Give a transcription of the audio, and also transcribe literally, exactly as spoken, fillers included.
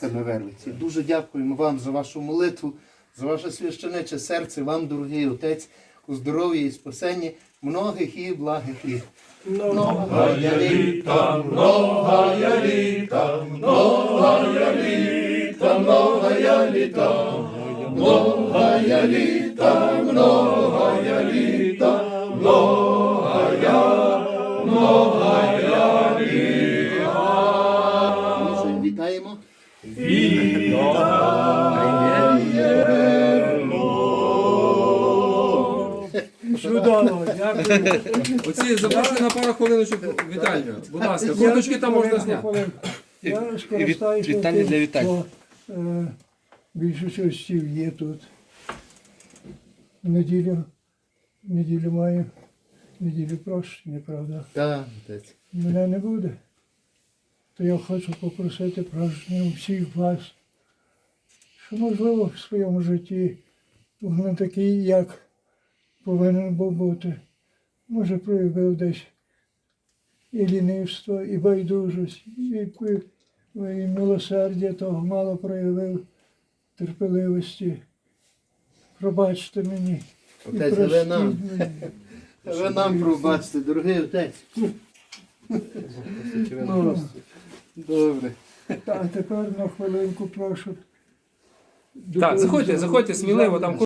на Вервиці. Дуже дякуємо вам за вашу молитву, за ваше священиче серце, вам, дорогий Отець, у здоров'ї і спасенні многих і благих літ. Многая літа, многая літа, многая літа, многая літа, многая літа, многая літа, многая, многая літа. Вітаємо. Чудово, дякую. Оці запрошую на пару хвилиночок вітання. Будь ласка, курточки там можна зняти. Я скористаюся вітання тим, для вітань. що е, більшість гостів є тут. В неділю, в неділю маю, в неділю прощення, правда. Так, Отець. Мене не буде. То я хочу попросити прощення у всіх вас, що, можливо, в своєму житті не такий, як повинен був бути. Може, проявив десь і лінивство, і байдужість, і, і, і милосердя того мало проявив, терпеливості. Пробачте мені. І Отець, ви простіть нам. мені. Ви нам пробачте, дорогий Отець. Ну, добре. А тепер на хвилинку прошу. Так, заходьте, заходьте сміливо, там